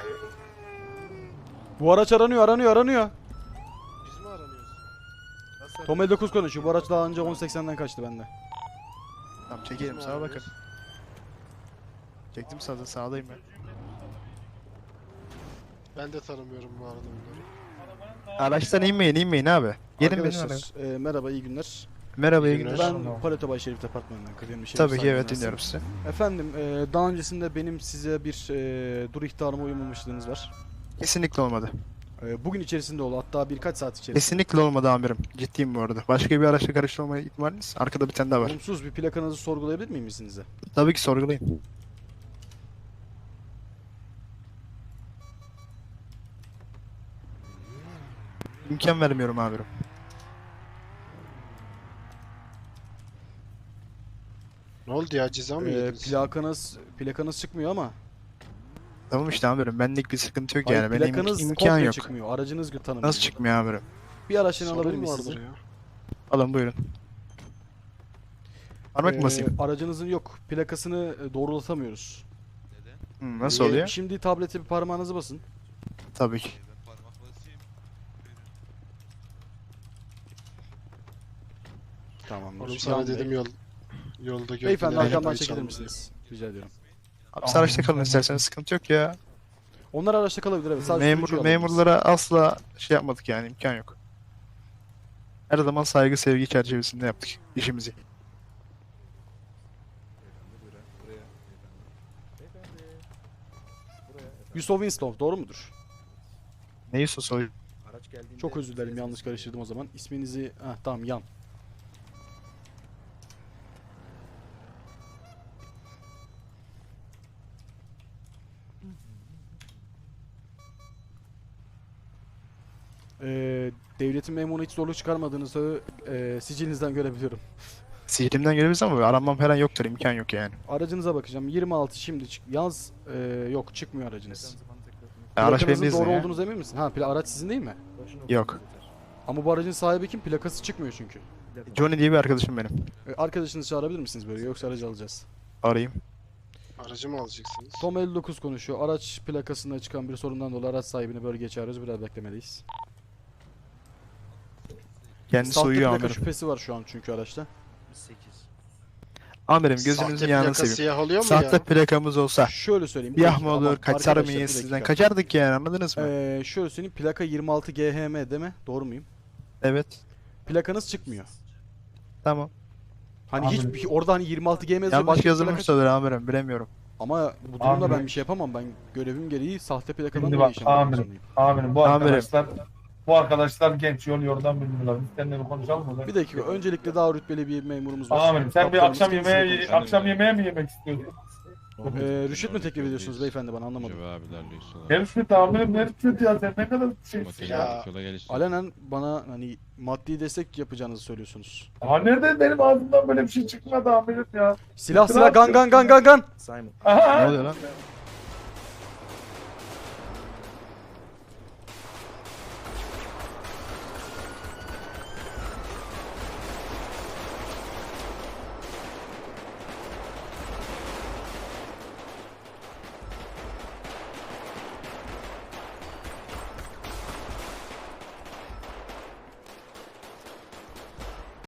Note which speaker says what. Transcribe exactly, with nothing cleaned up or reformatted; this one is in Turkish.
Speaker 1: Bu araç aranıyor, aranıyor, aranıyor.
Speaker 2: Biz mi aranıyoruz?
Speaker 1: Tom elli dokuz konuşuyor. Bu araç daha önce on seksenden kaçtı bende.
Speaker 3: Tamam
Speaker 2: Biz
Speaker 3: çekelim
Speaker 2: mi
Speaker 3: sağa bakın.
Speaker 2: aranıyoruz?
Speaker 3: Çektim sağda sağdayım ben.
Speaker 2: Ben de tanımıyorum bu arada onları.
Speaker 3: Araçtan inmeyin inmeyin abi. Gelin benim araya.
Speaker 1: Arkadaşlar, e, merhaba, iyi günler.
Speaker 3: Merhaba iyi
Speaker 2: İyi
Speaker 3: günler.
Speaker 2: günler.
Speaker 1: Ben Paleto Bay Şerif Departmanı'ndan kıdemli Şerif
Speaker 3: Tabii ki
Speaker 1: Saygı
Speaker 3: evet
Speaker 1: Üniversitesi.
Speaker 3: dinliyorum sizi.
Speaker 1: Efendim, e, daha öncesinde benim size bir e, dur ihtarıma uymamışlığınız var.
Speaker 3: Kesinlikle olmadı.
Speaker 1: E, bugün içerisinde oldu, hatta birkaç saat içerisinde.
Speaker 3: Kesinlikle olmadı amirim. Ciddiyim bu arada. Başka bir araçla karıştırma ihtimaliniz. Arkada bir tane daha var.
Speaker 1: Olumsuz bir plakanızı sorgulayabilir miyim izninizle?
Speaker 3: Tabii ki sorgulayın. İmkan vermiyorum amirim.
Speaker 2: Ne oldu ya, ceza mı
Speaker 1: E,
Speaker 2: yediniz?
Speaker 1: plakanız, plakanız çıkmıyor ama.
Speaker 3: Tamam işte amirim. Benlik bir sıkıntı yok
Speaker 1: Hayır,
Speaker 3: yani. Benim
Speaker 1: plakanız
Speaker 3: imkan
Speaker 1: komple
Speaker 3: yok.
Speaker 1: çıkmıyor. Aracınız tanımıyor.
Speaker 3: Nasıl çıkmıyor amirim?
Speaker 1: Bir araçını alabilir
Speaker 2: Sorun
Speaker 1: miyiz
Speaker 2: vardır
Speaker 1: sizi?
Speaker 2: ya.
Speaker 3: Alın buyurun. Parmak
Speaker 1: Ee,
Speaker 3: mı basayım?
Speaker 1: aracınızın yok. Plakasını e, doğrulatamıyoruz.
Speaker 3: Hı, nasıl
Speaker 1: Ee,
Speaker 3: oluyor?
Speaker 1: Şimdi tablete bir parmağınızı basın.
Speaker 3: Tabii ki.
Speaker 1: Tamamdır.
Speaker 2: Oğlum sana
Speaker 1: Yan
Speaker 2: dedim
Speaker 1: Bey.
Speaker 2: yol yolda gördüm.
Speaker 1: Beyefendi
Speaker 2: yani
Speaker 1: arkamdan
Speaker 2: arabayı
Speaker 1: çekilir
Speaker 2: çaldım.
Speaker 1: misiniz? Rica ediyorum.
Speaker 3: Abi siz araçta kalın isterseniz sıkıntı yok ya.
Speaker 1: Onlar araçta kalabilir, evet. Sadece
Speaker 3: Memur,
Speaker 1: sürücüyü alabiliriz.
Speaker 3: memurlara asla şey yapmadık yani imkan yok. Her zaman saygı sevgi çerçevesinde yaptık işimizi.
Speaker 1: Yusuf Winslow, doğru mudur?
Speaker 3: Neyi sosoy?
Speaker 1: Çok özür dilerim, yanlış karıştırdım o zaman. İsminizi... Heh, tamam, Yan. Ee, devletin memuruna hiç zorluk çıkarmadığınızı e, sicilinizden görebiliyorum.
Speaker 3: Sihrimden gelebiliriz ama aranmam falan yoktur imkan yok yani.
Speaker 1: Aracınıza bakacağım. yirmi altı şimdi çık. Yalnız e, yok, çıkmıyor aracınız.
Speaker 3: Ya, araç benim
Speaker 1: Plakanızın
Speaker 3: değil
Speaker 1: doğru
Speaker 3: ya.
Speaker 1: olduğunuz emin misin? Ha, pla- araç sizin değil mi?
Speaker 3: Yok.
Speaker 1: Ama bu aracın sahibi kim? Plakası çıkmıyor çünkü.
Speaker 3: Johnny diye bir arkadaşım benim.
Speaker 1: E, arkadaşınızı çağırabilir misiniz böyle, yoksa aracı alacağız.
Speaker 3: Arayayım.
Speaker 2: Aracı mı alacaksınız?
Speaker 1: Tom elli dokuz konuşuyor. Araç plakasında çıkan bir sorundan dolayı araç sahibini bölgeye çağırıyoruz. Biraz beklemeliyiz.
Speaker 3: Kendisi
Speaker 1: Sahte
Speaker 3: uyuyor
Speaker 1: plaka
Speaker 3: amirim.
Speaker 1: şüphesi var şu an çünkü araçta.
Speaker 3: Amirim
Speaker 2: Sahte
Speaker 3: gözünüzün yanını
Speaker 2: plaka
Speaker 3: seveyim.
Speaker 2: siyah oluyor mu
Speaker 3: Sahte
Speaker 2: ya?
Speaker 3: plakamız olsa
Speaker 1: Şöyle söyleyeyim.
Speaker 3: siyah
Speaker 1: bir
Speaker 3: mı
Speaker 1: dakika,
Speaker 3: olur,
Speaker 1: ama
Speaker 3: kaçar
Speaker 1: arkadaşlar,
Speaker 3: mıyız
Speaker 1: bir
Speaker 3: sizden?
Speaker 1: dakika.
Speaker 3: Kaçardık yani anladınız mı?
Speaker 1: Ee, şöyle söyleyeyim. Plaka yirmi altı G H M değil mi? Doğru muyum?
Speaker 3: Evet.
Speaker 1: Plakanız çıkmıyor.
Speaker 3: Tamam.
Speaker 1: Hani hiç bir- orada hani yirmi altı G M yazıyor.
Speaker 3: Yanlış
Speaker 1: başka bir
Speaker 3: yazılmış
Speaker 1: plaka-
Speaker 3: da olur amirim bilemiyorum.
Speaker 1: Ama bu durumda
Speaker 4: Abi-
Speaker 1: ben bir şey yapamam. Ben görevim gereği sahte plakadan
Speaker 4: Şimdi
Speaker 1: dolayı
Speaker 4: bak,
Speaker 1: işlem yapmak
Speaker 4: amirim.
Speaker 1: zorundayım.
Speaker 4: Amirim bu
Speaker 3: Amirim.
Speaker 4: arkadaşlar bu arkadaşlar genç yol yordan bilmiyorlar. Biz seninle bir konuşalım mı?
Speaker 1: Bir dakika. Öncelikle daha rütbeli bir memurumuz var.
Speaker 4: Amirim sen bir
Speaker 1: Kaptanımız
Speaker 4: akşam
Speaker 1: kendisiyle
Speaker 4: yemeğe
Speaker 1: konuşalım.
Speaker 4: akşam yemeğe mi yemek istiyorsun?
Speaker 1: Ee, rüşvet mi teklif ediyorsunuz beyefendi, bana anlamadım.
Speaker 4: Ne rüşvet amirim ne rüşvet ya sen ne kadar şeysin ya.
Speaker 2: Ya.
Speaker 1: Alenen bana hani maddi destek yapacağınızı söylüyorsunuz.
Speaker 4: Ha nerede benim ağzımdan böyle bir şey çıkmadı amirim ya.
Speaker 1: Silah silah, gan gan gan gan gan.
Speaker 3: Ne
Speaker 4: Aha.
Speaker 3: oluyor lan?